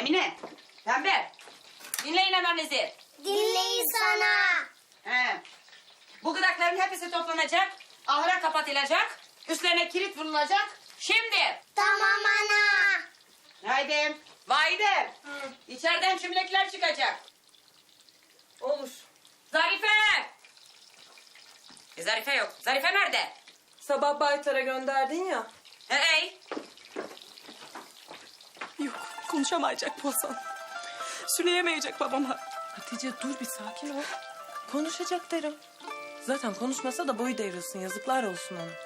Emine, Pembe, dinleyin hemeninizi. Dinleyin sana. He. Bu gıdakların hepsi toplanacak, ahıra kapatılacak, üstlerine kilit vurulacak. Şimdi. Tamam ana. Haydi. Vahide. İçeriden çimlekler çıkacak. Olur. Zarife. Zarife yok. Zarife nerede? Sabah Baytar'a gönderdin ya. Hey. Yok, konuşamayacak bu Hasan. Söyleyemeyecek babama. Hatice dur bir sakin ol. Konuşacak derim. Zaten konuşmasa da boyu devrilsin. Yazıklar olsun ona.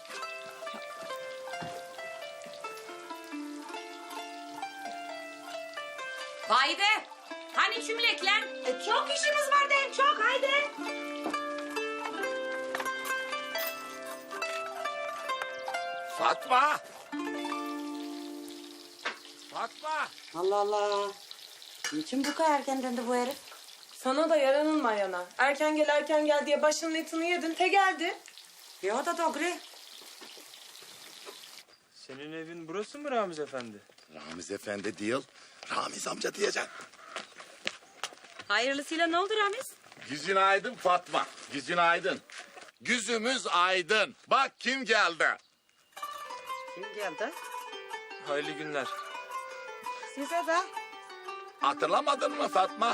Vahide. Hani çimlekler? Çok işimiz var deyim çok haydi. Fatma! Fatma! Allah Allah. Niçin bu kadar erken döndü bu herif? Sana da yaranılma yana. Erken gel diye başının etini yedin. Te geldi. Ya da doğru. Senin evin burası mı Ramiz Efendi? Ramiz Efendi değil, Ramiz amca diyeceksin. Hayırlısıyla ne oldu Ramiz? Yüzün aydın Fatma, yüzün aydın. Yüzümüz aydın. Bak kim geldi. Kim geldi? Hayırlı günler. Size de. Hatırlamadın mı Fatma?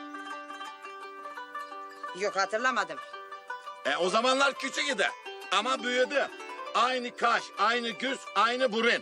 Yok hatırlamadım. O zamanlar küçük idi ama büyüdü. Aynı kaş, aynı göz, aynı burun.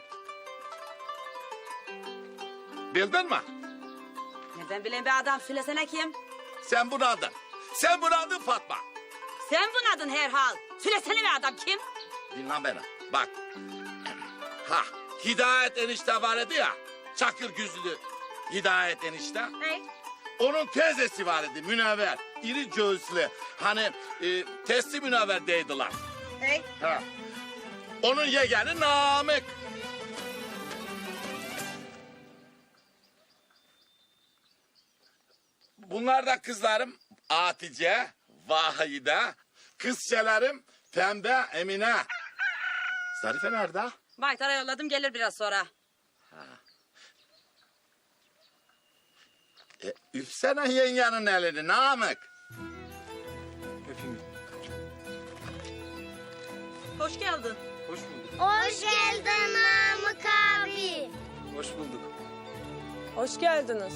Bildin mi? Nereden bileyim be adam söylesene kim? Sen bunu adın. Sen bunu adın Fatma. Sen bunadın herhal. Söylesene be adam kim? Dinle beni. Bak. Ha, Hidayet enişte var idi ya. Çakır gözlü Hidayet enişte. Hey. Onun teyzesi var idi Münevver. İri göğüslü. Hani testi Münevver deydiler. Hey. Ha. Onun yeğeni Namık. Bunlar da kızlarım Hatice, Vahide, kızçelerim Pembe, Emine. Zarife nerede? Baytar'a yolladım gelir biraz sonra. Üfsene yengenin elini Namık. Öpeyim. Hoş geldin. Hoş bulduk. Hoş geldin Namık abi. Hoş bulduk. Hoş geldiniz.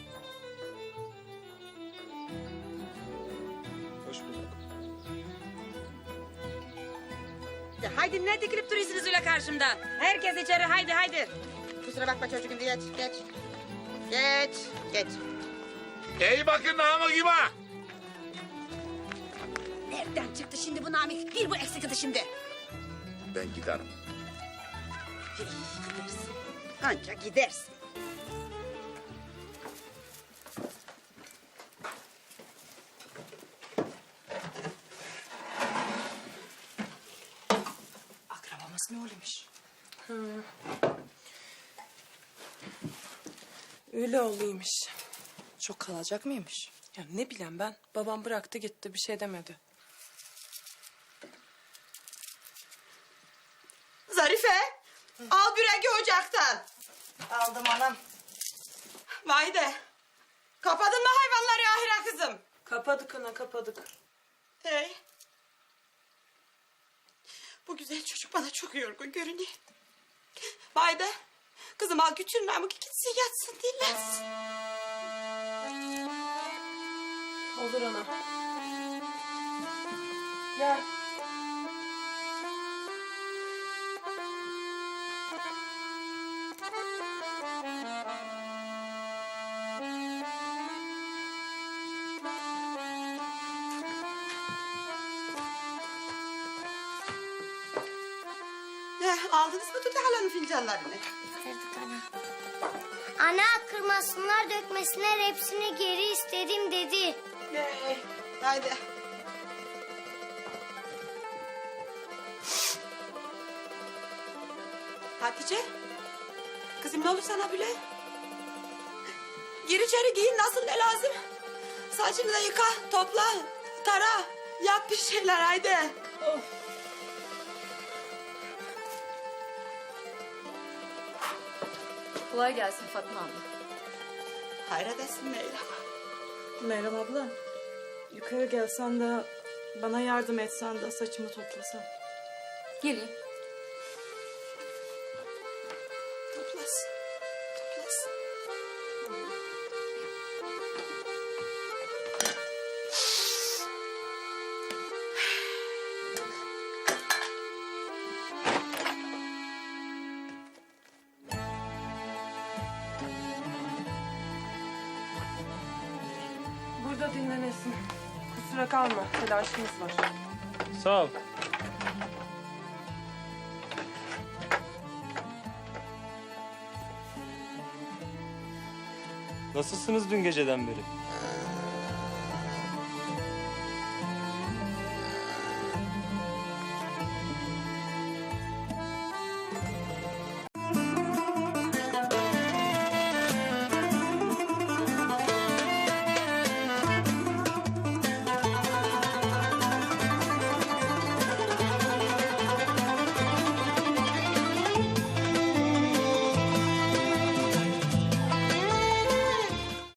Hoş bulduk. Ya haydi ne dikilip duruyorsunuz öyle karşımda? Herkes içeri haydi haydi. Kusura bakma çocuğum geç geç. Geç geç. İyi bakın Namık'ıma. Nereden çıktı şimdi bu Namık? Bir bu eksikti şimdi. Ben giderim. Gidersin. Ancak gidersin. Akrabamız ne oluyormuş? Öyle olaymış. Çok kalacak mıymış? Ya ne bileyim ben. Babam bıraktı gitti. Bir şey demedi. Zarife, al büreki ocaktan. Aldım anam. Vahide, kapadın mı hayvanları ahire kızım? Kapadık ana kapadık. Hey. Bu güzel çocuk bana çok yorgun görünüyor. Vahide, kızım al götür Namık gitsin yatsın dinlensin. Olur ana. Gel. Aldınız mı Tutu halanın fincanlarını? Getirdik ana. Ana kırmasınlar dökmesinler hepsini geri istedim dedi. Haydi. Hatice, kızım ne olur sana bile? Gir içeri giyin nasıl ne lazım? Saçını da yıka, topla, tara, yap bir şeyler haydi. Kolay gelsin Fatma abla. Hayredesin Meyrem. Meryem abla, yukarı gelsen de bana yardım etsen de saçımı toplasan. Gelin. Toplasın. Toplasın. Burada dinlenesin. Kusura kalma. Telaşımız var. Sağ ol. Nasılsınız dün geceden beri?